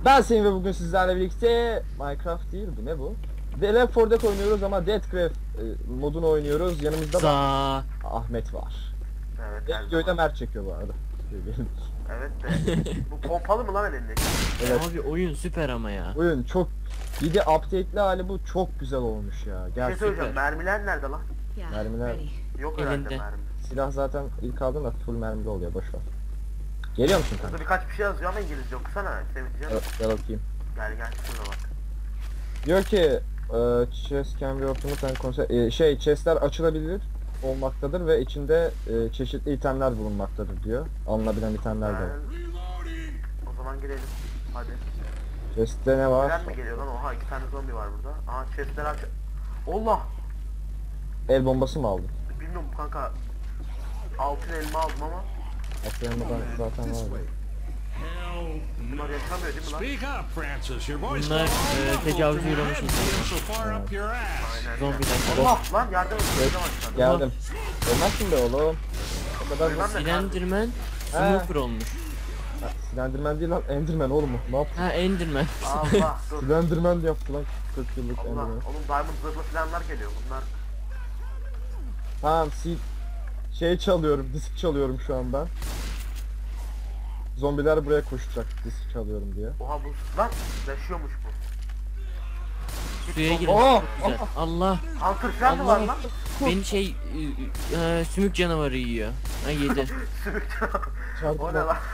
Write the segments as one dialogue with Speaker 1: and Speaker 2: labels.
Speaker 1: Ben Semih ve bugün sizlerle birlikte Minecraft değil bu ne bu? The Left 4 Dead oynuyoruz ama Deathcraft modunu oynuyoruz. Yanımızda da
Speaker 2: Za.
Speaker 1: Ahmet var.
Speaker 3: Evet, her
Speaker 1: Videoyu da
Speaker 3: zaman.
Speaker 1: Mert çekiyor bu arada.
Speaker 3: Evet de. Bu pompalı mı lan elindeki?
Speaker 1: Evet.
Speaker 2: Abi oyun süper ama ya.
Speaker 1: Oyun çok bir de update'li hali bu çok güzel olmuş ya.
Speaker 3: Bir şey
Speaker 1: Gerçekten
Speaker 3: söyleyeceğim. Mermiler nerede lan?
Speaker 1: mermiler
Speaker 3: Yok herhalde
Speaker 2: Elinde.
Speaker 3: mermi.
Speaker 1: silah zaten ilk aldığında full mermili oluyor boş ver. Geliyor musun kanka?
Speaker 3: Burada birkaç bir şey yazıyor ama İngilizce okusana. Seveceğim.
Speaker 1: Gel bakayım.
Speaker 3: Gel şuna bak.
Speaker 1: Diyor ki chest can be opened and chestler açılabilir olmaktadır ve içinde çeşitli itemler bulunmaktadır diyor. Alınabilen itemler de var.
Speaker 3: O zaman girelim. Hadi.
Speaker 1: Chest'te ne var?
Speaker 3: Gelen mi geliyor lan? Oha, 2 tane zombi var burada. Aha, chestler aç. Allah!
Speaker 1: El bombası mı aldın?
Speaker 3: Bilmiyorum kanka. Altın elma aldım ama
Speaker 1: Atlayamadan zaten var.
Speaker 3: bunlar yaşamıyor değil mi lan?
Speaker 4: Speak up, Francis. Your voice
Speaker 2: Bunlar tecavüze uğramış insanlar.
Speaker 4: so far up your ass.
Speaker 3: Aynen.
Speaker 2: Zombiler.
Speaker 3: Allah lan, yardım et.
Speaker 1: Evet,
Speaker 3: Aşağıda.
Speaker 1: geldim. Ölmezsin be oğlum. O kadar
Speaker 3: Ölmem de
Speaker 2: Slenderman
Speaker 1: He.
Speaker 2: Smoker olmuş.
Speaker 1: Slenderman değil lan, Enderman oğlum mu? Ne yaptın?
Speaker 2: Ha Enderman.
Speaker 3: Allah dur.
Speaker 1: Slenderman yaptı lan 40 yıllık
Speaker 3: Allah.
Speaker 1: Enderman.
Speaker 3: Oğlum diamond zırhlı falanlar geliyor. Bunlar
Speaker 1: Tamam, şey çalıyorum, disk çalıyorum şu an ben. Zombiler buraya koşacak disk çalıyorum diye.
Speaker 3: oha bu lan yaşıyormuş bu.
Speaker 2: Suya girin.
Speaker 1: Oh!
Speaker 2: Çok güzel. Allah.
Speaker 3: Hunter falan mı var
Speaker 2: Allah.
Speaker 3: lan?
Speaker 2: Beni sümük canavarı yiyor. Ha yedi.
Speaker 3: Sümük canavarı.
Speaker 1: Çarpma.
Speaker 3: O ne lan?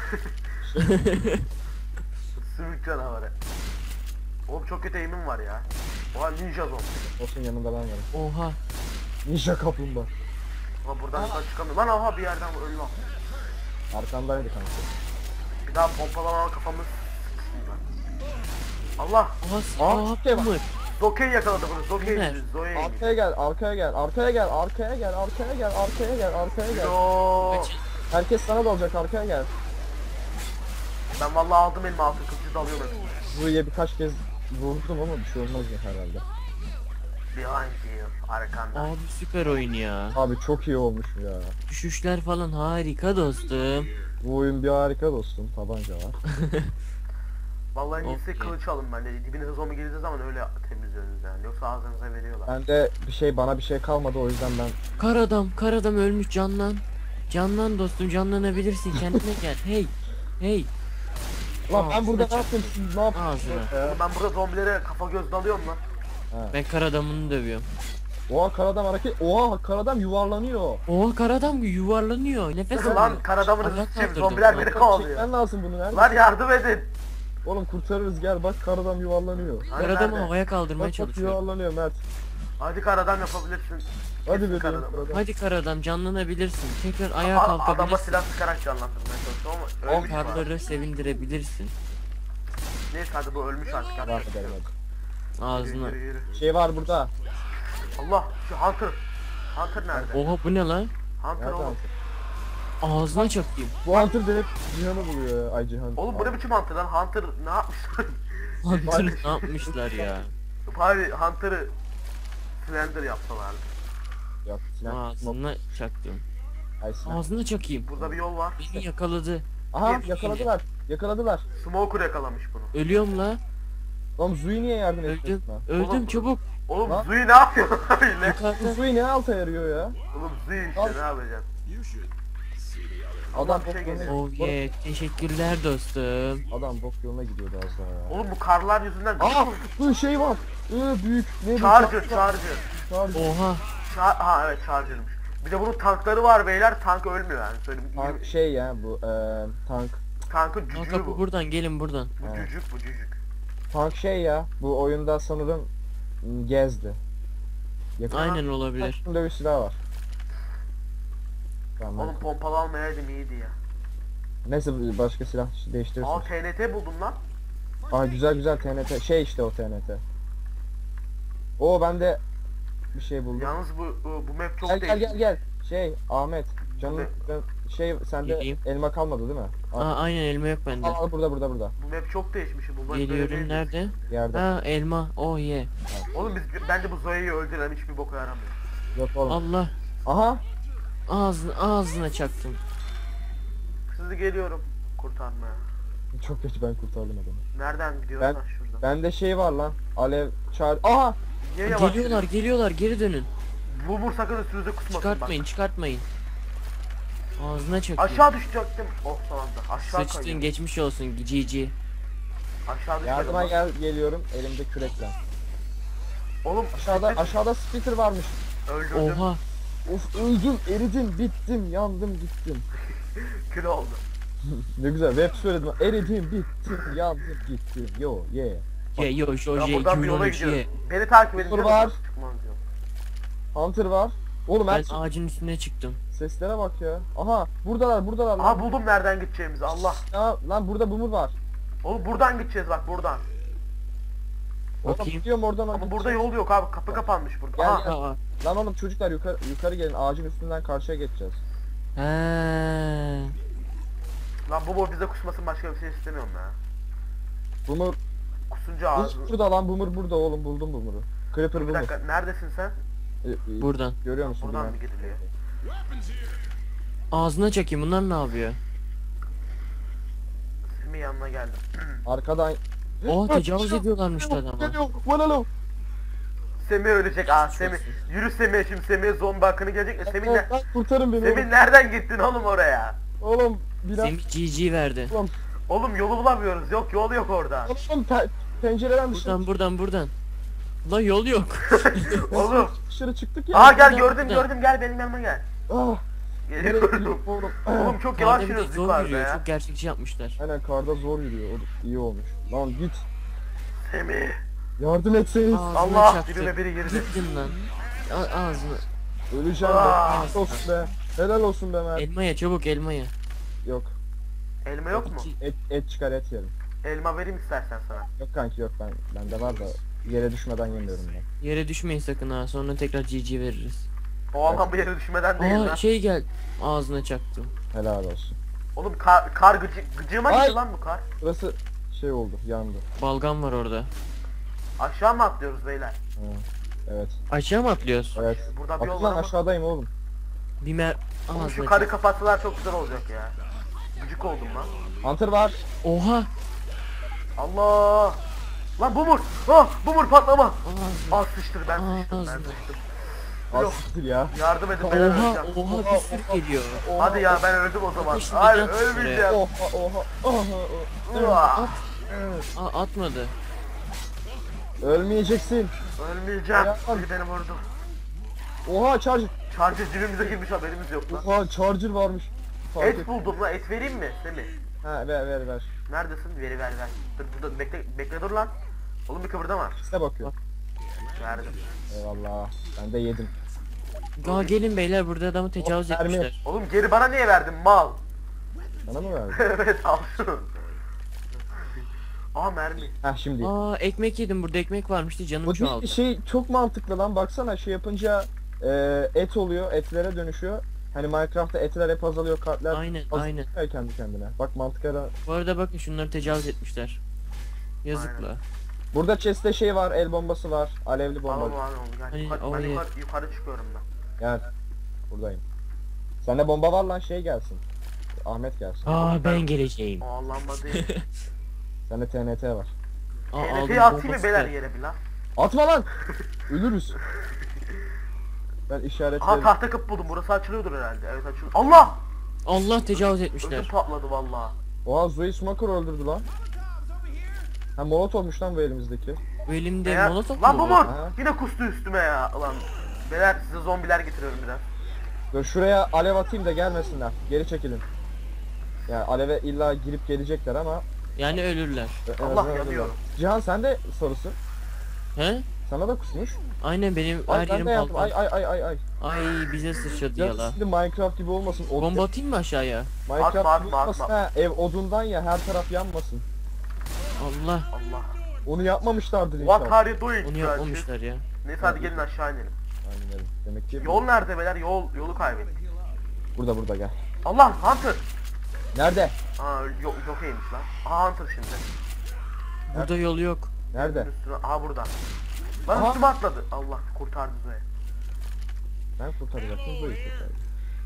Speaker 3: Sümük canavarı. Oğlum çok kötü aim'im var ya. Oha, ninja zombi.
Speaker 1: Olsun, yanında ben varım.
Speaker 2: Oha.
Speaker 1: Ninja kaplumbağa.
Speaker 3: Oha, buradan da çıkamıyor. Lan oha, bir yerden öldü lan.
Speaker 1: Arkandaydı kanka.
Speaker 3: Bir daha pompalama kafamı sıksınlar. Allah!
Speaker 2: Oha.
Speaker 1: şey var.
Speaker 2: Boomer.
Speaker 3: Zoke'yi yakaladı bunu. Zoke'yi
Speaker 2: Ömer.
Speaker 3: yedi. Zoe'yi yedi.
Speaker 1: Arkaya gel, arkaya gel, arkaya gel, arkaya gel, arkaya gel, arkaya gel, arkaya gel.
Speaker 3: Yo.
Speaker 2: Kaçın.
Speaker 1: Herkes sana dalacak, arkaya gel.
Speaker 3: Ben vallahi aldım elime altın kılıcı dalıyorum hepsine.
Speaker 1: Buraya birkaç kez vurdum ama bir şey olmaz ya herhalde.
Speaker 3: Behind you. Arkanda.
Speaker 2: Abi süper oyun ya.
Speaker 1: Abi çok iyi olmuş ya.
Speaker 2: Düşüşler falan harika dostum.
Speaker 1: Bu oyun bir harika dostum. Tabanca var.
Speaker 3: Vallahi en iyisi
Speaker 2: Okey.
Speaker 3: kılıç alın bence. Dibinize zombi girdiği zaman öyle temizliyorsunuz yani. Yoksa ağzınıza veriyorlar.
Speaker 1: Ben de bana bir şey kalmadı, o yüzden ben
Speaker 2: Kar adam ölmüş, canlan. Canlan dostum, canlanabilirsin, kendine gel. Hey. Hey.
Speaker 1: Lan ben burada ne
Speaker 2: Ağzına
Speaker 1: yaptım, siz ne yaptınız
Speaker 2: Ağzına.
Speaker 1: ya?
Speaker 3: Oğlum ben burada zombilere kafa göz dalıyorum lan.
Speaker 2: Ben kar adamını dövüyorum.
Speaker 1: Oha, karadan hareket. Oha, karadan yuvarlanıyor.
Speaker 2: Oha, kar adam yuvarlanıyor. Nefes alıyor.
Speaker 3: Lan kar adamını
Speaker 2: Allah
Speaker 3: sıçayım,
Speaker 2: kaldırdım.
Speaker 3: zombiler beni kovalıyor.
Speaker 1: Çekmen lazım bunu, nerede?
Speaker 3: Lan yardım edin.
Speaker 1: Oğlum kurtarırız, gel bak, karadan yuvarlanıyor.
Speaker 3: Hani
Speaker 2: Kar adamı
Speaker 3: nerede?
Speaker 2: havaya kaldırmaya
Speaker 1: Bak bak,
Speaker 2: çalışıyor.
Speaker 1: yuvarlanıyor Mert.
Speaker 3: Hadi kar adam yapabilirsin.
Speaker 1: Hadi
Speaker 3: Kesin
Speaker 1: bebeğim
Speaker 3: kar adamı.
Speaker 1: karadan.
Speaker 2: Hadi kar adam, canlanabilirsin. Tekrar ayağa
Speaker 3: Adama
Speaker 2: kalkabilirsin.
Speaker 3: silah sıkarak canlandırmaya çalışıyorum ama ölmüş var.
Speaker 2: Karları sevindirebilirsin.
Speaker 3: Neyse hadi, bu ölmüş artık.
Speaker 1: Var
Speaker 3: Yapacak bir şey
Speaker 1: edelim
Speaker 3: yok.
Speaker 1: hadi.
Speaker 2: Ağzına.
Speaker 3: Yürü, yürü.
Speaker 1: Şey var burada.
Speaker 3: Allah, şu Hunter. Hunter nerede?
Speaker 2: Oha, bu ne lan?
Speaker 3: Hunter
Speaker 1: Nerede
Speaker 3: oğlum.
Speaker 2: Ağzına çakayım.
Speaker 1: Bu Hunter da hep Cihan'ı buluyor ya. Ay Cihan.
Speaker 3: Oğlum bu ne biçim Hunter lan? Hunter ne yapmış?
Speaker 2: Hunter ne yapmışlar ya?
Speaker 3: Bari Hunter'ı Slender yapsalardı.
Speaker 1: Yok, silah.
Speaker 2: Ağzına çaktım.
Speaker 1: Ay silah.
Speaker 2: Ağzına çakayım.
Speaker 3: Burada bir yol var.
Speaker 2: Beni yakaladı.
Speaker 1: Aha,
Speaker 3: Hep
Speaker 1: yakaladılar. Yakaladılar.
Speaker 3: Smoker yakalamış bunu.
Speaker 2: Ölüyorum la.
Speaker 1: Oğlum Zui niye yardım
Speaker 2: Öldüm.
Speaker 1: etmiyorsun lan?
Speaker 2: Öldüm
Speaker 3: Oğlum.
Speaker 2: çabuk.
Speaker 3: Oğlum
Speaker 1: Lan.
Speaker 3: Zui ne yapıyor lan öyle?
Speaker 2: Yukarıda.
Speaker 1: Zui ne alta yarıyor ya?
Speaker 3: Oğlum Zui
Speaker 1: Al.
Speaker 3: işte, ne yapacaksın?
Speaker 1: Adam
Speaker 3: bir
Speaker 1: bok
Speaker 3: şey
Speaker 1: yoluna
Speaker 3: geliyor.
Speaker 2: Oh yeah, teşekkürler dostum.
Speaker 1: Adam bok yoluna gidiyordu az daha ya.
Speaker 3: Oğlum bu karlar yüzünden
Speaker 1: Aa, bu şey var. Büyük. Ne bu?
Speaker 3: Charger.
Speaker 2: Oha.
Speaker 3: Ha evet, Charger'mış. Bir de bunun tankları var beyler, tank ölmüyor yani söyleyeyim.
Speaker 1: Tank şey ya bu tank.
Speaker 3: Tankın
Speaker 2: Aa,
Speaker 3: cücüğü
Speaker 2: kapı
Speaker 3: bu.
Speaker 2: buradan, gelin buradan.
Speaker 3: Bu
Speaker 1: Evet.
Speaker 3: cücük, bu cücük.
Speaker 1: Tank şey ya. Bu oyunda sanırım gezdi. Yakın
Speaker 2: Aynen olabilir.
Speaker 1: takım dövüş silahı var. Tamam.
Speaker 3: Oğlum pompalı almayaydım iyiydi ya.
Speaker 1: Neyse, başka silah
Speaker 3: Aa,
Speaker 1: değiştirirsin.
Speaker 3: TNT buldum lan.
Speaker 1: Aa, güzel TNT. Şey işte o TNT. Oo, ben de bir şey buldum.
Speaker 3: Yalnız bu map çok
Speaker 1: Gel gel
Speaker 3: değişik.
Speaker 1: gel gel. Şey Ahmet. Canım şey, sende
Speaker 2: Geleyim.
Speaker 1: elma kalmadı değil mi?
Speaker 2: Aa, aynen, elma yok bende.
Speaker 1: Al burada.
Speaker 3: Bu map çok değişmiş. Bu map böyle
Speaker 2: Geliyorum,
Speaker 3: değildi.
Speaker 2: nerede?
Speaker 1: Yerde.
Speaker 2: Ha, elma. Oh yeah.
Speaker 3: Oğlum bence bu Zoe'yi öldürelim, hiçbir boka yaramıyor.
Speaker 1: Yok oğlum.
Speaker 2: Allah.
Speaker 1: Aha.
Speaker 2: Ağzına çaktım.
Speaker 3: Sizi geliyorum kurtarmaya.
Speaker 1: Çok geç, ben kurtardım adamı.
Speaker 3: Nereden gidiyorsun
Speaker 1: Ben-
Speaker 3: lan şuradan?
Speaker 1: Bende şey var lan. Alev çağır. Aha!
Speaker 3: Niye yavaş
Speaker 2: Geliyorlar geliyorlar geri dönün.
Speaker 3: Bumur sakın üstünüze kusmasın
Speaker 2: Çıkartmayın çıkartmayın. Ağzına çakıyor.
Speaker 3: bak. Aşağı düşecektim. Oh son anda. Aşağı
Speaker 2: Sıçtın
Speaker 3: kayıyor.
Speaker 2: geçmiş olsun GG.
Speaker 3: Aşağı düşmedim.
Speaker 1: Yardıma
Speaker 3: lan.
Speaker 1: geliyorum elimde kürekle.
Speaker 3: Oğlum
Speaker 1: Aşağıda splitter varmış.
Speaker 3: öldürdüm.
Speaker 2: Oha.
Speaker 1: Of, öldüm, eridim, bittim, yandım, gittim.
Speaker 3: Kül oldu.
Speaker 1: Ne güzel rap söyledim. Eridim, bittim, yandım, gittim. Yo, yeah.
Speaker 2: Ya yo
Speaker 3: Ya
Speaker 2: Joje
Speaker 3: buradan bir yola
Speaker 2: 2013 ye.
Speaker 3: gidiyoruz. Beni takip edin.
Speaker 1: Dur
Speaker 3: canım,
Speaker 1: var.
Speaker 3: nasıl çıkmam diyor.
Speaker 1: Hunter var. Oğlum
Speaker 2: Ben
Speaker 1: her
Speaker 2: ağacın üstüne çıktım.
Speaker 1: seslere bak ya. Aha, buradalar lan.
Speaker 3: Aha buldum nereden gideceğimizi Allah.
Speaker 1: Ya, lan burada bumur var.
Speaker 3: Oğlum buradan gideceğiz bak buradan.
Speaker 1: Oğlum
Speaker 2: Bakayım.
Speaker 1: gidiyorum oradan.
Speaker 3: Ama burada yol yok abi kapı kapanmış burada.
Speaker 1: Gel,
Speaker 3: Aha.
Speaker 1: gel.
Speaker 2: Aa.
Speaker 1: Lan oğlum çocuklar yukarı gelin, ağacın üstünden karşıya geçeceğiz.
Speaker 2: He.
Speaker 3: Lan bu bize kusmasın başka bir şey istemiyorum ya.
Speaker 1: Bumur,
Speaker 3: Kusunca ağzını.
Speaker 1: burada lan, bumur burada oğlum, buldum bumuru. Creeper
Speaker 3: Bir
Speaker 1: bumur.
Speaker 3: dakika neredesin sen?
Speaker 2: Buradan.
Speaker 1: Görüyor musun?
Speaker 3: Buradan
Speaker 1: bilmem.
Speaker 3: mı gidiliyor?
Speaker 2: Ağzına çakayım bunlar ne yapıyor?
Speaker 3: Semih yanına geldim.
Speaker 1: Arkadan.
Speaker 2: Oh tecavüz ediyorlarmış adama.
Speaker 1: Geliyor, vanalı.
Speaker 3: Semih ölecek. Aa Semih. Yürü Semih şimdi Semih zombi hakkını gelecek. Semih ne?
Speaker 1: Lan kurtarın beni
Speaker 3: Semih nereden gittin oğlum oraya?
Speaker 1: oğlum. Oğlum, biraz.
Speaker 2: Semih GG verdi.
Speaker 3: Oğlum yolu bulamıyoruz. Yok yol yok orada.
Speaker 1: Oğlum pencereden
Speaker 2: Buradan. La yol yok.
Speaker 3: Oğlum.
Speaker 1: dışarı çıktık ya.
Speaker 3: Aa gel
Speaker 2: buradan,
Speaker 3: gördüm
Speaker 2: buradan.
Speaker 3: gördüm gel benim yanıma gel.
Speaker 1: Ah, nereye
Speaker 3: Geliyorum.
Speaker 1: gidiyor oğlum?
Speaker 3: Oğlum çok yavaş
Speaker 2: Karda bir de
Speaker 3: yürüyoruz
Speaker 2: zor
Speaker 3: yukarıda
Speaker 2: yürüyor.
Speaker 3: ya.
Speaker 2: Çok gerçekçi yapmışlar.
Speaker 1: Aynen karda zor yürüyor. Oğlum, iyi olmuş. Lan git.
Speaker 3: Semih.
Speaker 1: Yardım etseniz.
Speaker 2: Ağzına
Speaker 3: Allah
Speaker 2: çaktı.
Speaker 3: dibime biri girdi.
Speaker 2: Gittin lan. Ağzına.
Speaker 1: Öleceğim be.
Speaker 3: Aa.
Speaker 1: Helal olsun be. Helal olsun be Mert.
Speaker 2: Elmaya çabuk elmaya.
Speaker 1: Yok.
Speaker 3: Elma yok mu?
Speaker 1: Et çıkar, et yerim.
Speaker 3: Elma vereyim istersen sana.
Speaker 1: Yok kanki, yok, bende var da yere düşmeden yemiyorum ben.
Speaker 2: Yere düşmeyin sakın ha. Sonra tekrar GG veririz.
Speaker 3: O alan bu yere düşmeden değil
Speaker 2: Aa
Speaker 3: lan.
Speaker 2: şey gel. Ağzına çaktım.
Speaker 1: Helal olsun.
Speaker 3: Oğlum kar gıcığıma
Speaker 1: Ay.
Speaker 3: gitti lan bu kar.
Speaker 1: Burası şey oldu, yandı.
Speaker 2: Balgam var orada.
Speaker 3: Aşağı mı atlıyoruz beyler?
Speaker 1: Ha, evet.
Speaker 2: Aşağı mı atlıyoruz?
Speaker 1: Evet.
Speaker 3: Burada bir yol
Speaker 1: Atın
Speaker 3: var
Speaker 1: lan,
Speaker 3: ama.
Speaker 1: aşağıdayım oğlum.
Speaker 2: Bir mer...
Speaker 3: Oğlum şu
Speaker 2: Ağzına
Speaker 3: karı
Speaker 2: çak.
Speaker 3: kapatsalar çok güzel olacak ya. Gıcık oldum lan.
Speaker 1: Hunter var.
Speaker 2: Oha.
Speaker 3: Allah! Lan bumur! Ah bumur patlama!
Speaker 2: Ağzına.
Speaker 3: Ah sıçtır ben sıçtım ben
Speaker 2: Ağzına.
Speaker 3: sıçtım.
Speaker 1: Az
Speaker 3: Yok.
Speaker 1: siktir ya.
Speaker 3: Yardım edin ben
Speaker 2: Oha
Speaker 3: öleceğim.
Speaker 2: oha bir sürü geliyor.
Speaker 3: Hadi ya ben öldüm o zaman.
Speaker 2: Şimdi
Speaker 3: Hayır
Speaker 2: can tutsun
Speaker 3: ölmeyeceğim.
Speaker 1: Oha.
Speaker 3: Uah!
Speaker 2: Atmadı.
Speaker 1: Ölmeyeceksin.
Speaker 3: Ölmeyeceğim.
Speaker 1: Ayağım.
Speaker 3: Biri beni vurdu.
Speaker 1: Oha, charger.
Speaker 3: Charger cebimize girmiş haberimiz yok lan.
Speaker 1: Oha, charger varmış. Fark et.
Speaker 3: Et buldum lan et vereyim mi Semih?
Speaker 1: Ha, ver.
Speaker 3: Neredesin? Ver. Dur burada bekle dur lan. Oğlum bir kıvırdama.
Speaker 1: Size bakıyor.
Speaker 3: Verdim.
Speaker 1: Eyvallah. Ben de yedim.
Speaker 2: Gelin beyler burada adamı tecavüz
Speaker 1: Mermi.
Speaker 2: etmişler.
Speaker 3: Oğlum geri bana niye verdin mal?
Speaker 1: Sana mı verdin?
Speaker 3: Evet al şunu. Aa mermi.
Speaker 1: Heh, şimdi.
Speaker 2: Ekmek yedim burada ekmek varmıştı canım
Speaker 1: Bu
Speaker 2: çoğaldı.
Speaker 1: şey çok mantıklı lan, baksana şey yapınca et oluyor, etlere dönüşüyor. Hani Minecraft'ta etler hep azalıyor, kartlar
Speaker 2: Aynen,
Speaker 1: azalıyor kendi kendine. Bak mantıklara.
Speaker 2: Bu arada bakın şunları tecavüz etmişler. Yazıkla.
Speaker 1: Burada chest'te şey var, el bombası var, alevli
Speaker 3: Al
Speaker 1: bomba.
Speaker 3: onu gel.
Speaker 2: Hani
Speaker 3: Yukarı, ben
Speaker 2: oraya-
Speaker 3: yukarı çıkıyorum ben.
Speaker 1: Gel. Buradayım. Sende bomba var lan, şey gelsin. Ahmet gelsin.
Speaker 2: Ben geleceğim.
Speaker 3: O Allah'ıma değil.
Speaker 1: Sende TNT var.
Speaker 3: TNT'yi atayım mı beyler yere bir lan?
Speaker 1: Atma lan! Ölürüz. Ben işaretlerim.
Speaker 3: Aha tahta kapı buldum. Burası açılıyordur herhalde. Evet açılıyor. Allah!
Speaker 2: Allah tecavüz
Speaker 3: Ödüm
Speaker 2: etmişler.
Speaker 3: patladı valla.
Speaker 1: Oha, Zoe Smoker öldürdü lan. Ha, molotofmuş lan bu elimizdeki.
Speaker 2: Bu elimde
Speaker 3: Eğer-
Speaker 2: molotof
Speaker 3: Lan
Speaker 2: mu
Speaker 3: bu
Speaker 2: var?
Speaker 3: mor!
Speaker 1: Ha.
Speaker 3: Yine kustu üstüme ya. Ulan. Beyler size zombiler getiriyorum biraz.
Speaker 1: Dur şuraya alev atayım da gelmesinler. Geri çekilin. Yani aleve illa girip gelecekler ama
Speaker 2: Yani ölürler.
Speaker 1: en
Speaker 3: Allah
Speaker 1: azından
Speaker 3: yanıyorum.
Speaker 1: ölürler. Cihan sen de sarısı.
Speaker 2: He?
Speaker 1: Sana da kusmuş.
Speaker 2: Aynen benim
Speaker 1: Ay,
Speaker 2: her
Speaker 1: ben
Speaker 2: yerim
Speaker 1: de yaptım.
Speaker 2: balkan.
Speaker 1: Ay.
Speaker 2: Ay bize sıçradı
Speaker 1: Ya
Speaker 2: yala.
Speaker 1: şimdi Minecraft gibi olmasın.
Speaker 2: Bomba atayım mı aşağıya?
Speaker 1: Minecraft
Speaker 3: Atma,
Speaker 1: gibi
Speaker 3: atma,
Speaker 1: olmasın.
Speaker 3: atma.
Speaker 1: Ha, ev odundan ya, her taraf yanmasın.
Speaker 2: Allah.
Speaker 3: Allah.
Speaker 1: Onu yapmamışlardır
Speaker 3: What
Speaker 1: inşallah.
Speaker 3: are you doing?
Speaker 2: Onu
Speaker 3: Güzel
Speaker 2: yapmamışlar ya.
Speaker 3: şey. Neyse hadi gelin aşağı inelim.
Speaker 1: Aynen öyle. Demek ki
Speaker 3: Yol nerede beyler? Yolu kaybettik.
Speaker 1: burada gel.
Speaker 3: Allah Hunter!
Speaker 1: Nerede?
Speaker 3: Aa yok iyiymiş lan. Aha Hunter şimdi.
Speaker 2: Burada yol yok.
Speaker 1: Nerede?
Speaker 3: Üstüne, aha burada. Lan
Speaker 1: Aha.
Speaker 3: üstüme atladı. Allah kurtardı Zoe.
Speaker 1: Ben kurtaracaktım, Zoe kurtardı.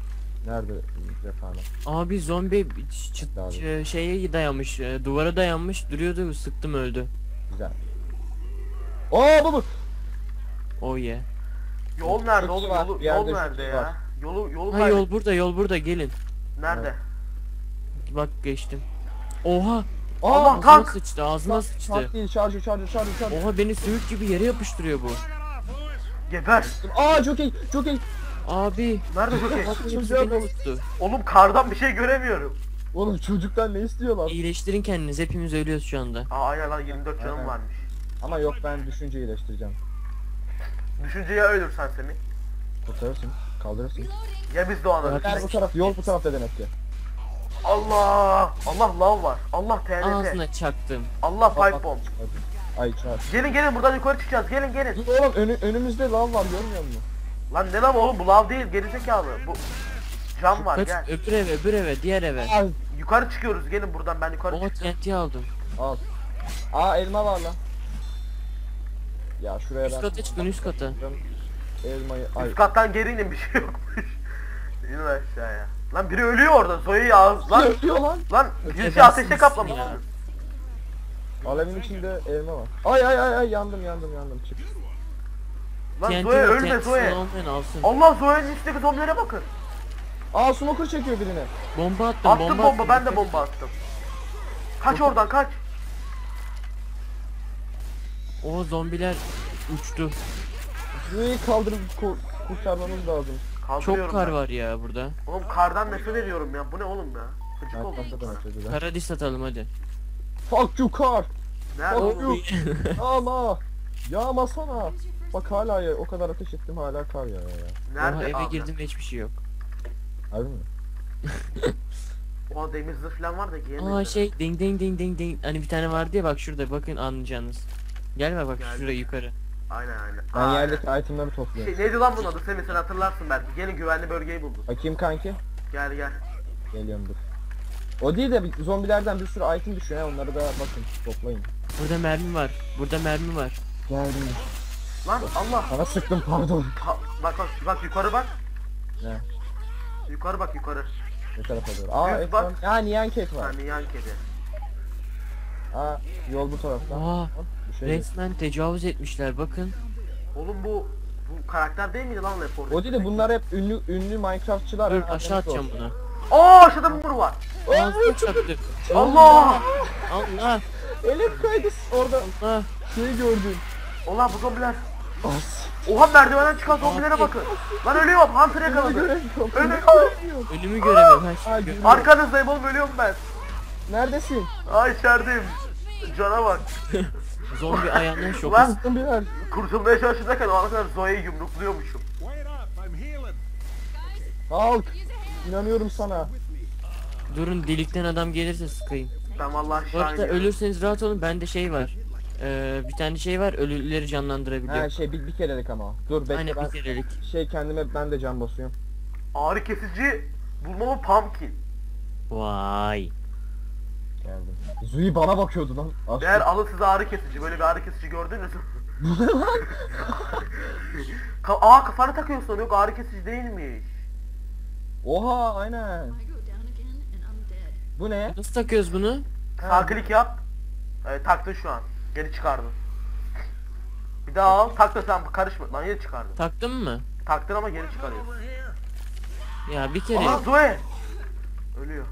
Speaker 1: Nerede cephane?
Speaker 2: Abi zombi
Speaker 1: Abi.
Speaker 2: şeye dayanmış, duvara dayanmış duruyordu, sıktım öldü.
Speaker 1: Güzel. Oo bu.
Speaker 3: Yol
Speaker 2: Oh yeah.
Speaker 3: nerede
Speaker 1: Çok
Speaker 3: oğlum?
Speaker 1: var,
Speaker 3: Yolu,
Speaker 1: bir yerde
Speaker 3: yol nerede
Speaker 1: çok
Speaker 3: ya?
Speaker 1: var.
Speaker 3: Yolu
Speaker 2: Ha yol burada gelin.
Speaker 3: Nerede?
Speaker 2: Bak geçtim. Oha!
Speaker 3: Allah,
Speaker 2: Ağzına
Speaker 3: tank!
Speaker 2: sıçtı, ağzına sıçtı.
Speaker 1: Tank değil, şarjı.
Speaker 2: Oha beni sümük gibi yere yapıştırıyor bu.
Speaker 3: Geber.
Speaker 1: Aa çok iyi.
Speaker 2: Abi.
Speaker 3: Nerede Jockey?
Speaker 2: Bak hepsi
Speaker 1: Çocuğa
Speaker 2: beni
Speaker 1: bak.
Speaker 2: tuttu.
Speaker 3: Oğlum kardan bir şey göremiyorum.
Speaker 1: Oğlum çocuktan ne istiyorlar?
Speaker 2: İyileştirin kendiniz, hepimiz ölüyoruz şu anda.
Speaker 3: Aa aynen lan 24 canım
Speaker 1: Aynen.
Speaker 3: varmış.
Speaker 1: Ama yok, ben düşünce iyileştireceğim.
Speaker 3: Düşünceye ölürsen Semih.
Speaker 1: Kurtarırsın, kaldırırsın.
Speaker 3: Ya biz doğanırız.
Speaker 1: Gel bu taraf, yol bu tarafta demek ki.
Speaker 3: Allah! Allah lav var. Allah TNT.
Speaker 2: Ağzına çaktım.
Speaker 3: Allah pipe bomb.
Speaker 1: Ay çarp.
Speaker 3: Gelin buradan yukarı çıkacağız. Gelin.
Speaker 1: Dur oğlum, önümüzde lav var, görmüyor musun?
Speaker 3: Lan ne lav oğlum, bu lav değil gerizekalı. Bu cam var,
Speaker 2: Kaç,
Speaker 3: gel.
Speaker 2: öbür eve, diğer eve.
Speaker 1: Al.
Speaker 3: Yukarı çıkıyoruz, gelin buradan, ben yukarı
Speaker 2: Oha
Speaker 3: çıkacağım.
Speaker 2: TNT aldım.
Speaker 1: Al. Aa elma var lan. Ya şuraya
Speaker 2: Üst
Speaker 1: ben...
Speaker 2: kata çıkın, üst kata.
Speaker 1: Elmayı... Ay.
Speaker 3: Üst kattan geri inin, bir şey yokmuş. İnin aşağıya. Lan biri ölüyor orada, Zoe'yi ağız lan.
Speaker 1: Ölüyor lan.
Speaker 3: Lan birisi
Speaker 2: Ötebensizsin
Speaker 3: ateşe kaplamış.
Speaker 2: ya.
Speaker 1: Alevin içinde elma var. Ay yandım çık.
Speaker 3: Lan
Speaker 2: TNT
Speaker 3: Zoe
Speaker 2: var,
Speaker 3: ölme
Speaker 2: TNT
Speaker 3: Zoe.
Speaker 2: olmayan alsın.
Speaker 3: Allah, Zoe'nin üstteki zombilere bakın.
Speaker 1: Aa smoker çekiyor birine.
Speaker 2: Bomba attım,
Speaker 3: Attım bomba,
Speaker 2: attım.
Speaker 3: ben de bomba attım. Kaç oradan, kaç.
Speaker 2: O zombiler uçtu.
Speaker 1: Burayı kaldırıp kurtarmamız lazım.
Speaker 3: Kaldırıyorum
Speaker 2: Çok kar
Speaker 3: ben.
Speaker 2: var ya burada.
Speaker 3: Oğlum kardan nefret ediyorum ya, bu ne oğlum ya. Gıcık
Speaker 1: Ben
Speaker 3: oldum.
Speaker 1: kafadan açacağız.
Speaker 2: Paradis atalım hadi.
Speaker 1: Fuck you car.
Speaker 3: Nerede
Speaker 1: Fuck
Speaker 3: oğlum?
Speaker 1: you. Ama. Yağmasana. Bak hala ya, o kadar ateş ettim hala kar ya.
Speaker 3: Nerede
Speaker 2: Oha eve
Speaker 3: abi?
Speaker 2: girdim ve hiçbir şey yok.
Speaker 1: Harbi mi?
Speaker 3: Oha demir zırh falan var da giyemedim.
Speaker 2: Aa şey ding ding ding ding ding. Hani bir tane vardı ya, bak şurada, bakın anlayacağınız. Gelme bak
Speaker 3: Geldim.
Speaker 2: şuraya yukarı.
Speaker 3: Aynen.
Speaker 1: Ben
Speaker 3: Aynen.
Speaker 1: yerdeki itemleri topluyorum.
Speaker 3: Neydi lan bunun adı, Semih sen hatırlarsın belki. Gelin, güvenli bölgeyi bulduk.
Speaker 1: Bakayım kanki.
Speaker 3: Gel.
Speaker 1: Geliyorum dur. O değil de zombilerden bir sürü item düşüyor ya, onları da bakın toplayın.
Speaker 2: Burada mermi var. Burada mermi var.
Speaker 1: Geldim.
Speaker 3: Lan Allah.
Speaker 1: Sana sıktım pardon.
Speaker 3: Bak yukarı bak.
Speaker 1: Ne?
Speaker 3: Yukarı bak yukarı.
Speaker 1: Ne tarafa doğru? Aa
Speaker 3: Evet,
Speaker 1: ekran.
Speaker 3: bak.
Speaker 1: Ya neon cake var.
Speaker 3: Yani yan kedi.
Speaker 1: Aa yol bu tarafta.
Speaker 2: Aa,
Speaker 1: Hop, bir şey yok.
Speaker 2: resmen tecavüz etmişler bakın.
Speaker 3: Oğlum bu karakter değil miydi lan Left 4 Dead?
Speaker 1: O değil de bunlar hep ünlü Minecraftçılar.
Speaker 2: Dur
Speaker 1: ha,
Speaker 2: aşağı atacağım
Speaker 1: olsun.
Speaker 2: bunu.
Speaker 3: Aa aşağıda mumur var.
Speaker 2: Ağzına çaktım.
Speaker 3: Allah!
Speaker 2: Allah!
Speaker 1: Elif kaydı orada
Speaker 2: Allah!
Speaker 1: şey gördüm.
Speaker 3: Ulan bu zombiler.
Speaker 1: As.
Speaker 3: Oha merdivenden çıkan zombilere
Speaker 2: Abi.
Speaker 3: bakın. Lan ölüyorum, Hunter yakaladı.
Speaker 1: Göremiyorum.
Speaker 3: Ölüyorum.
Speaker 2: Ölümü göremiyorum. Ha,
Speaker 1: Ay,
Speaker 2: şimdi gör-
Speaker 3: Arkanızdayım oğlum, ölüyorum ben.
Speaker 1: Neredesin?
Speaker 3: Ay içerideyim. Cana bak.
Speaker 2: Zombi ayağından şok.
Speaker 3: Ulan
Speaker 1: Zombiler.
Speaker 3: kurtulmaya çalışırken o ana kadar Zoe'yi yumrukluyormuşum.
Speaker 4: Wait up, I'm healing.
Speaker 1: Halk. İnanıyorum sana.
Speaker 2: Durun, delikten adam gelirse sıkayım.
Speaker 3: Ben vallahi
Speaker 2: Bu
Speaker 3: aşağı
Speaker 2: arada
Speaker 3: iniyorum.
Speaker 2: ölürseniz rahat olun, bende şey var. Bir tane şey var, ölüleri canlandırabiliyor.
Speaker 1: Ha şey bir kerelik ama. Dur bekle
Speaker 2: Aynen
Speaker 1: ben
Speaker 2: bir kerelik.
Speaker 1: şey kendime ben de can basıyorum.
Speaker 3: Ağrı kesici bulmalı pumpkin.
Speaker 2: Vay.
Speaker 1: Geldim. Zui bana bakıyordu lan. Aşkım.
Speaker 3: Eğer alın size ağrı kesici, böyle bir ağrı kesici gördünüz mü? Aa kafana takıyorsun, yok ağrı kesici değilmiş.
Speaker 1: Oha aynen.
Speaker 5: I go down again and I'm dead.
Speaker 1: Bu ne?
Speaker 2: Nasıl takıyoruz bunu?
Speaker 3: Sağ klik yap. Taktın şu an. Geri çıkardın. Bir daha al, tak da sen karışma. Lan geri çıkardın.
Speaker 2: Taktın mı?
Speaker 3: Taktın ama geri çıkarıyorsun.
Speaker 4: Over here.
Speaker 2: Ya bir kere.
Speaker 3: Aha Zoe! Ölüyor.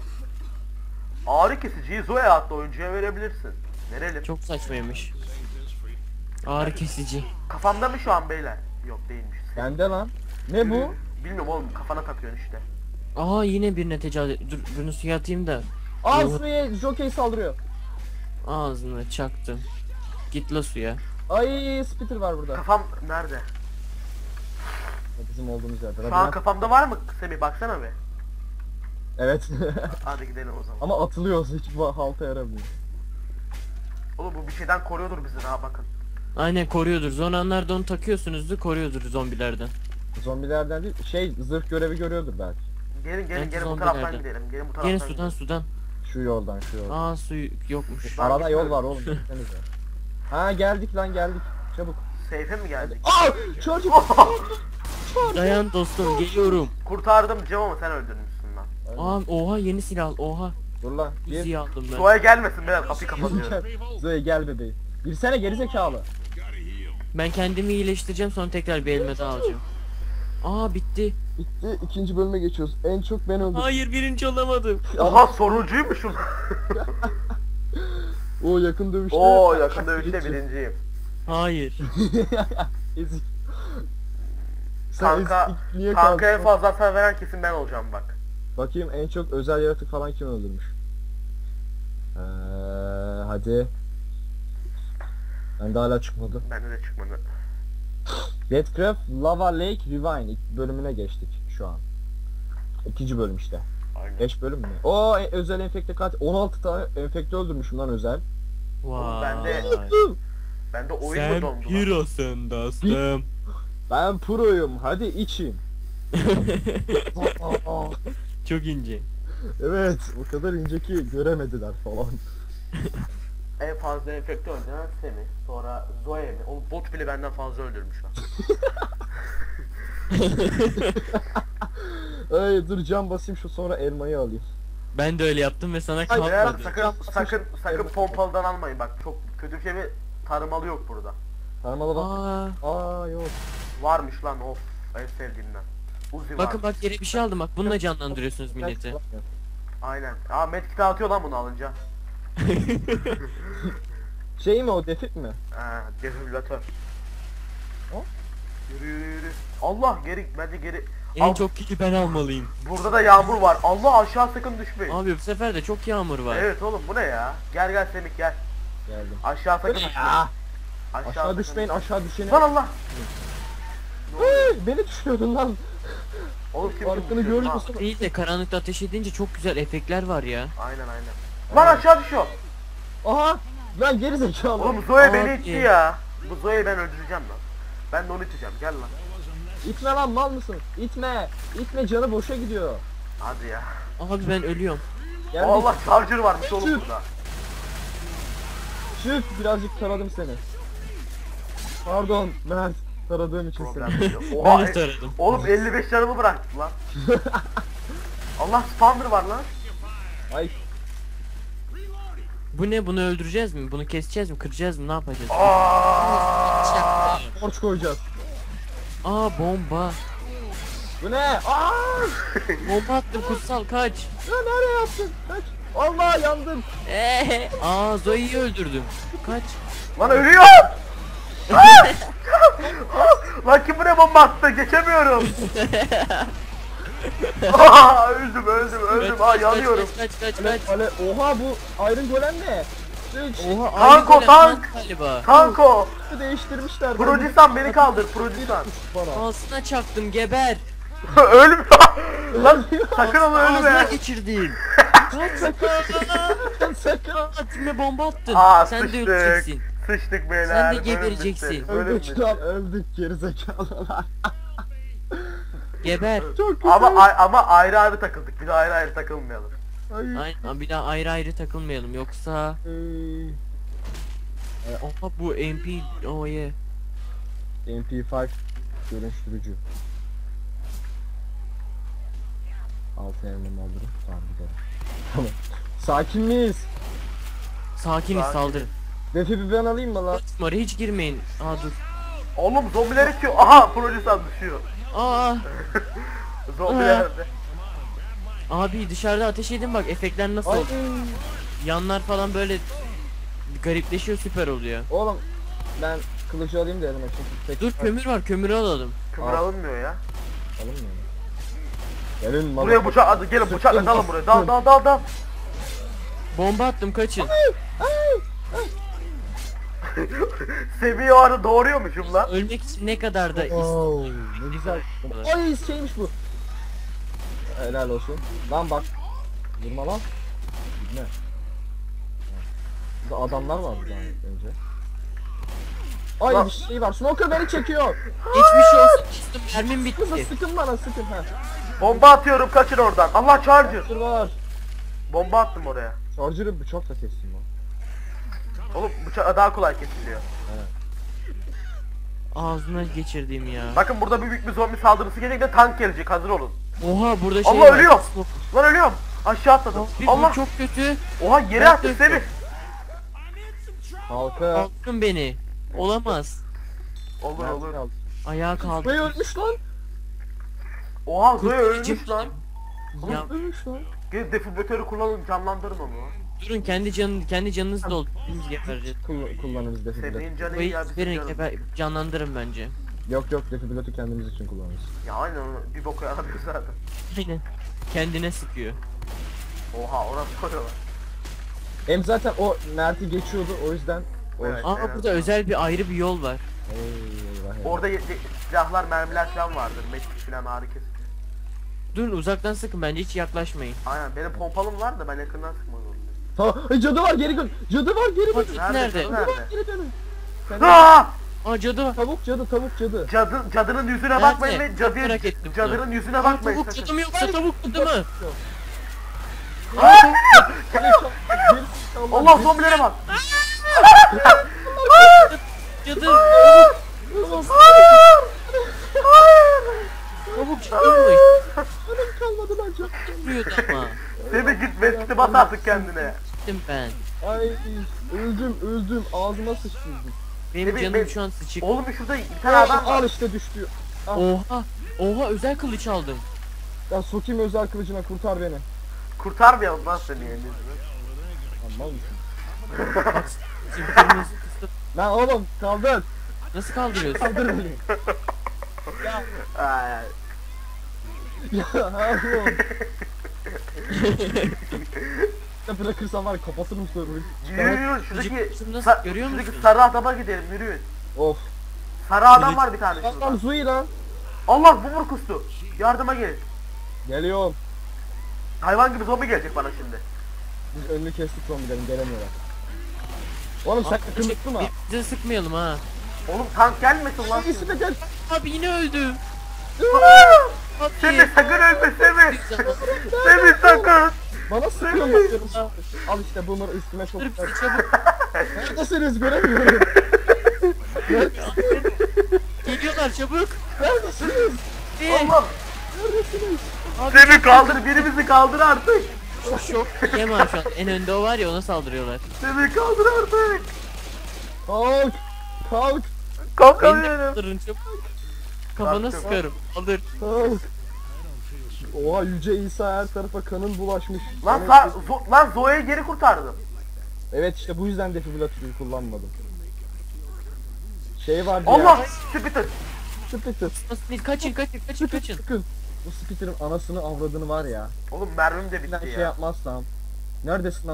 Speaker 3: Ağrı kesiciyi Zoe adlı oyuncuya verebilirsin. Verelim.
Speaker 2: Çok saçmaymış. Ağrı kesici.
Speaker 3: Kafamda mı şu an beyler? Yok değilmiş.
Speaker 1: Bende lan. Ne bu?
Speaker 3: Bilmiyorum oğlum, kafana takıyorsun işte.
Speaker 2: Aa yine birine tecavüz et. Dur bunu suya atayım da.
Speaker 1: Aa
Speaker 2: Yuh.
Speaker 1: suya jockey saldırıyor.
Speaker 2: Ağzına çaktım. Git la suya.
Speaker 1: Ay spitter var burada.
Speaker 3: Kafam nerede?
Speaker 1: Bizim olduğumuz yerde.
Speaker 3: Şu an kafamda var mı Semih, baksana be.
Speaker 1: Evet.
Speaker 3: Hadi gidelim o zaman.
Speaker 1: Ama atılıyoruz, hiç halta yaramıyor.
Speaker 3: Oğlum bu bir şeyden koruyordur bizi, ha bakın.
Speaker 2: Aynen koruyordur. Son anlarda onu takıyorsunuzdur, koruyordur zombilerden.
Speaker 1: Zombilerden değil, şey zırh görevi görüyordur belki.
Speaker 3: Gelin
Speaker 2: Bence
Speaker 3: bu taraftan
Speaker 2: zombilerden.
Speaker 3: gidelim. Gelin bu taraftan
Speaker 2: Gene
Speaker 3: gidelim.
Speaker 2: sudan.
Speaker 1: Şu yoldan.
Speaker 2: Aa su yokmuş.
Speaker 3: Ben
Speaker 1: Arada yol
Speaker 3: gitmiyorum.
Speaker 1: var oğlum, gitsenize. Ha geldik lan geldik. Çabuk.
Speaker 3: Seyfe mi geldik?
Speaker 1: Aa! Çocuk!
Speaker 2: Dayan dostum geliyorum.
Speaker 3: Kurtardım Cem ama sen öldürmüşsün lan.
Speaker 2: Aa, oha yeni silah al, oha.
Speaker 1: Dur lan. Gir.
Speaker 2: Uzi'yi aldım ben.
Speaker 3: Zoe'ye gelmesin beyler kapıyı kapatıyorum.
Speaker 1: Zoe gel bebeğim. Girsene gerizekalı.
Speaker 2: Ben kendimi iyileştireceğim sonra tekrar bir elime daha alacağım. Aa bitti.
Speaker 1: Bitti. İkinci bölüme geçiyoruz. En çok ben öldüm.
Speaker 2: Hayır birinci olamadım.
Speaker 3: Oha sonuncuymuşum.
Speaker 1: O yakın dövüşte.
Speaker 3: Oo yakın dövüşte birinciyim.
Speaker 2: Hayır.
Speaker 1: Ezik.
Speaker 3: Kanka,
Speaker 1: niye
Speaker 3: kanka en
Speaker 1: kaldın?
Speaker 3: fazla hasar veren kesin ben olacağım bak.
Speaker 1: Bakayım en çok özel yaratık falan kim öldürmüş? Hadi. Ben de hala çıkmadı.
Speaker 3: Bende de çıkmadı.
Speaker 1: Deathcraft Lava Lake Rewind ilk bölümüne geçtik şu an. İkinci bölüm işte.
Speaker 3: Aynen.
Speaker 1: 5 bölüm mü? O özel enfekte katil 16 tane enfekte öldürmüşüm lan özel.
Speaker 2: Vay.
Speaker 3: Bende oyun mu
Speaker 2: Sen
Speaker 3: dondu lan?
Speaker 2: pirosun dostum.
Speaker 1: Ben proyum. Hadi için.
Speaker 2: Çok ince.
Speaker 1: Evet, o kadar ince ki göremediler falan.
Speaker 3: En fazla enfekte öldüren Semih. Sonra Zoe mi? Oğlum bot bile benden fazla öldürmüş lan.
Speaker 1: Ay dur cam basayım şu sonra elmayı alayım.
Speaker 2: Ben de öyle yaptım ve sana
Speaker 1: Hayır,
Speaker 3: Beyler
Speaker 2: kalmadı.
Speaker 3: sakın pompalıdan almayın bak çok kötü bir şey bir tarımalı yok burada.
Speaker 1: Parmalı bak.
Speaker 2: Aa,
Speaker 1: Yok.
Speaker 3: Varmış lan of en sevdiğimden. Uzi
Speaker 2: bakın
Speaker 3: var.
Speaker 2: bak yere bir şey aldım bak bununla canlandırıyorsunuz milleti.
Speaker 3: Aynen. Aa medkit atıyor lan bunu alınca.
Speaker 1: Şey mi o defik mi?
Speaker 3: Defibrilatör.
Speaker 1: O?
Speaker 3: Yürü. Allah bence geri.
Speaker 2: En
Speaker 3: Al,
Speaker 2: çok kili ben almalıyım.
Speaker 3: burada da yağmur var. Allah aşağı sakın düşmeyin.
Speaker 2: Abi bu sefer de çok yağmur var.
Speaker 3: Evet oğlum bu ne ya? Gel Semih gel.
Speaker 1: Geldim.
Speaker 3: Aşağı sakın
Speaker 1: Bu ne
Speaker 3: düşmeyin.
Speaker 1: ya?
Speaker 3: Aşağı
Speaker 1: Aşağı
Speaker 3: sakın
Speaker 1: düşmeyin aşağı düşeni.
Speaker 3: Lan Allah.
Speaker 1: Beni düşürdün lan.
Speaker 3: Oğlum kim
Speaker 1: Farkını
Speaker 3: düşüyor?
Speaker 1: görüyor
Speaker 3: Ha,
Speaker 1: musun?
Speaker 2: Değil de karanlıkta ateş edince çok güzel efektler var ya.
Speaker 3: Aynen. Lan aşağı düşüyor.
Speaker 1: Aha! Lan geri zekalı.
Speaker 3: Oğlum Zoe beni
Speaker 2: Abi.
Speaker 3: itti ya. Bu Zoe'yi ben öldüreceğim lan. Ben de onu iteceğim. Gel lan.
Speaker 1: İtme lan mal mısın? İtme. İtme canı boşa gidiyor.
Speaker 3: Hadi ya.
Speaker 2: Abi ben ölüyorum.
Speaker 1: Geldik.
Speaker 3: Allah charger varmış oğlum
Speaker 1: Çık.
Speaker 3: burada.
Speaker 1: Çık birazcık taradım seni. Pardon Mert. Taradığım için
Speaker 3: Problem
Speaker 1: seni.
Speaker 3: yok.
Speaker 2: Ben
Speaker 3: Oha,
Speaker 2: de taradım.
Speaker 3: oğlum 55 canımı bıraktı lan. Allah spawner var lan.
Speaker 1: Ay
Speaker 2: Bu ne, bunu öldüreceğiz mi? Bunu keseceğiz mi? Kıracağız mı? Ne yapacağız?
Speaker 3: Aa!
Speaker 1: torç koyacağız.
Speaker 2: Aa bomba.
Speaker 1: Bu ne? Aa!
Speaker 2: Bomba attım kutsal kaç.
Speaker 1: Ya nereye yaptın? Kaç. Allah yandım.
Speaker 2: Aa Zoe'yi öldürdüm. Kaç.
Speaker 3: Lan ölüyor. Lan kim buraya bomba attı? Geçemiyorum. Aa, öldüm. Aa yanıyorum.
Speaker 2: Kaç.
Speaker 1: Ale, oha bu Iron Golem ne? Hiç
Speaker 2: Oha
Speaker 3: Tanko,
Speaker 2: aynı golem
Speaker 3: tank.
Speaker 2: galiba.
Speaker 3: Kanko.
Speaker 1: değiştirmişler.
Speaker 3: Prodisan beni kaldır. Prodisan.
Speaker 1: Bana.
Speaker 2: Ağzına çaktım geber.
Speaker 3: Ölme. Lan sakın onu
Speaker 2: Ağzına
Speaker 3: ölme.
Speaker 2: geçirdin. Kaç
Speaker 1: Sakın.
Speaker 2: Atime bomba attın.
Speaker 3: Aa
Speaker 2: Sen de
Speaker 3: sıçtık.
Speaker 2: öleceksin.
Speaker 3: Sıçtık beyler.
Speaker 2: Sen de
Speaker 3: Bölüm
Speaker 2: gebereceksin.
Speaker 3: bitti, bölüm
Speaker 1: Öldük
Speaker 3: bitti.
Speaker 1: lan öldük gerizekalılar.
Speaker 2: Geber.
Speaker 1: Çok kötü.
Speaker 3: Ama ayrı takıldık. Bir de ayrı takılmayalım.
Speaker 1: Ay.
Speaker 2: Aynen bir daha ayrı takılmayalım yoksa. Oha bu MP. Oh yeah.
Speaker 1: MP5 dönüştürücü. 6 elmamı alırım. Tamam gidelim. Tamam. Sakin miyiz?
Speaker 2: Sakiniz
Speaker 3: Sakin.
Speaker 2: saldırın.
Speaker 1: Defi bir ben alayım mı lan?
Speaker 2: Atma hiç girmeyin. Aa dur.
Speaker 3: Oğlum zombiler itiyor. Aha Prodisan düşüyor.
Speaker 2: Aa
Speaker 3: Zombiler.
Speaker 2: abi dışarıda ateş edin bak efektler nasıl
Speaker 1: Ay.
Speaker 2: oldu. Yanlar falan böyle garipleşiyor süper oluyor.
Speaker 1: Oğlum ben kılıcı alayım da elime çünkü tek
Speaker 2: Dur kömür var kömürü alalım.
Speaker 3: Kömür
Speaker 1: Al.
Speaker 3: alınmıyor ya.
Speaker 1: alınmıyor mu? Gelin
Speaker 3: Buraya bıçak hadi gelin bıçakla dalın buraya. Dal.
Speaker 2: Bomba attım kaçın.
Speaker 3: Seviye o arada doğuruyormuşum lan.
Speaker 2: Ölmek için ne kadar da
Speaker 1: Oo, ne güzel. Ay şeymiş bu. Helal olsun. Lan bak. Vurma lan. Ne? Burada adamlar var burada önce. Ay
Speaker 3: Lan.
Speaker 1: bir şey var. Smoker beni çekiyor.
Speaker 2: geçmiş olsun dostum mermim
Speaker 1: Kızı
Speaker 2: bitti.
Speaker 1: sıkın bana sıkın ha.
Speaker 3: Bomba atıyorum kaçın oradan. Allah charger.
Speaker 1: Dur var.
Speaker 3: Bomba attım oraya.
Speaker 1: Charger'ı bıçakla kestim lan.
Speaker 3: Oğlum bıçak daha kolay kesiliyor.
Speaker 2: ağzına geçirdiğim ya.
Speaker 3: Bakın burada büyük bir zombi saldırısı gelecek de tank gelecek, hazır olun.
Speaker 2: Oha burada şey
Speaker 3: Allah
Speaker 2: var.
Speaker 3: ölüyor. Lan ölüyorum. Aşağı atladım.
Speaker 2: Bir
Speaker 3: Allah.
Speaker 2: bu çok kötü.
Speaker 3: Oha yere
Speaker 2: Ben
Speaker 3: attı
Speaker 2: de-
Speaker 3: Semih.
Speaker 1: Halka.
Speaker 2: Kalkın beni. Olamaz.
Speaker 3: Olur olur.
Speaker 2: Ayağa kaldı.
Speaker 1: Zoe ölmüş lan.
Speaker 3: Oha Zoe
Speaker 2: Kurtarıcı-
Speaker 3: ölmüş lan.
Speaker 2: Ya
Speaker 1: Ölmüş lan.
Speaker 3: Gelin defibrilatörü kullanın, canlandırın onu.
Speaker 2: durun kendi canınızı doldurun gebereceğiz.
Speaker 1: Kullanırız defibrilatör.
Speaker 3: Sevdiğin canı iyi
Speaker 2: Burayı
Speaker 3: ya bizim
Speaker 2: verin
Speaker 3: canım.
Speaker 2: canlandırın bence.
Speaker 1: Yok defibrilatörü kendimiz için kullanırız.
Speaker 3: Ya aynen onu bir boka yaramıyor zaten.
Speaker 2: Aynen. Kendine sıkıyor.
Speaker 3: Oha orası koyuyorlar.
Speaker 1: Hem zaten o Mert'i geçiyordu o yüzden.
Speaker 3: Evet.
Speaker 2: Aa burada özel bir ayrı bir yol var.
Speaker 1: Eyvah eyvah.
Speaker 3: Orada silahlar, mermiler falan vardır. Meşgul falan ağrı kesici.
Speaker 2: Durun uzaktan sıkın bence hiç yaklaşmayın.
Speaker 3: Aynen benim pompalım var da ben yakından sıkmak zorundayım.
Speaker 1: Tamam. Cadı var geri dön. Cadı var geri dön.
Speaker 2: Nerede?
Speaker 3: Cadı nerede?
Speaker 1: Geri dönün.
Speaker 3: Aa!
Speaker 2: Aa cadı var.
Speaker 1: Tavuk cadı.
Speaker 3: Cadının yüzüne
Speaker 2: Nerede?
Speaker 3: bakmayın ve
Speaker 2: Merak ettim
Speaker 3: cadının yüzüne
Speaker 2: Aa,
Speaker 3: bakmayın.
Speaker 2: tavuk
Speaker 3: sakın.
Speaker 2: cadı mı yoksa tavuk cadı mı?
Speaker 3: Allah zombilere bak.
Speaker 2: Cadı.
Speaker 3: Tavuk
Speaker 2: Tavuk cadıymış.
Speaker 1: Kalmadı lan çok.
Speaker 2: Vuruyordu ama.
Speaker 3: Seni git vesti bas artık kendine.
Speaker 2: Gittim ben.
Speaker 1: Ay öldüm. Ağzıma sıçtırdım.
Speaker 2: Benim
Speaker 3: Tabii,
Speaker 2: canım
Speaker 3: ben-
Speaker 2: şu an sıçık.
Speaker 3: Oğlum şurada bir tane adam var.
Speaker 1: Al işte düştü.
Speaker 2: Oha. Oha özel kılıç aldım.
Speaker 1: Ya sokayım özel kılıcına kurtar beni.
Speaker 3: Kurtarmayalım lan seni yani.
Speaker 1: Aman mısın?
Speaker 2: Şimdi kırmızı kısıt.
Speaker 1: Lan oğlum kaldır.
Speaker 2: Nasıl kaldırıyorsun?
Speaker 1: Kaldır beni.
Speaker 3: Ay.
Speaker 1: Ya oğlum. Ya bırakırsam var ya, kapatırım server'ı.
Speaker 3: Yürüyün şuradaki
Speaker 2: Kılıcı nasıl görüyor
Speaker 3: şuradaki
Speaker 2: musun?
Speaker 3: sarı adama gidelim yürüyün.
Speaker 1: Of.
Speaker 3: Sarı adam var bir tane
Speaker 1: Lan
Speaker 3: şurada.
Speaker 1: Zui lan.
Speaker 3: Allah bumur kustu. Yardıma gelin.
Speaker 1: Geliyorum.
Speaker 3: Hayvan gibi zombi gelecek bana şimdi.
Speaker 1: Biz önünü kestik zombilerin gelemiyorlar. Oğlum sen yakınlıklı mı?
Speaker 2: Bize sıkmayalım ha.
Speaker 3: Oğlum tank gelmesin lan.
Speaker 1: İkisi de gel.
Speaker 2: Abi yine öldü. Abi.
Speaker 3: Semih sakın ölme Semih.
Speaker 2: Bir zaman-
Speaker 3: Semih sakın.
Speaker 1: Bana sıkıyor bakıyorum. Al işte boomer üstüme çok.
Speaker 2: Dur bizi çabuk.
Speaker 1: Neredesiniz göremiyorum.
Speaker 2: Geliyorlar çabuk.
Speaker 1: Neredesiniz?
Speaker 3: Allah.
Speaker 1: Neredesiniz?
Speaker 2: Abi
Speaker 3: Semih kaldır, birimizi kaldır artık.
Speaker 2: şok. Kemal şu an en önde o var ya ona saldırıyorlar.
Speaker 3: Semih kaldır artık.
Speaker 1: Kalk. Kalk.
Speaker 2: Beni de
Speaker 3: Kalkamıyorum.
Speaker 2: kaldırın çabuk. Kafana
Speaker 3: Kalktım.
Speaker 2: sıkarım. Kaldır.
Speaker 1: Kalk. Oha Yüce İsa her tarafa kanın bulaşmış.
Speaker 3: Lan
Speaker 1: Evet,
Speaker 3: lan Zoe'yi geri kurtardım.
Speaker 1: Evet işte bu yüzden defibrilatörü kullanmadım. Şey vardı ya.
Speaker 3: Allah! Spitzer.
Speaker 1: Spitzer.
Speaker 2: Nasıl değil? Kaçın.
Speaker 1: Sıkın. Bu Spitter'ın anasını avradını var ya.
Speaker 3: Oğlum mermim de
Speaker 1: Ben
Speaker 3: bitti
Speaker 1: şey
Speaker 3: ya.
Speaker 1: yapmazsam. Neredesin lan?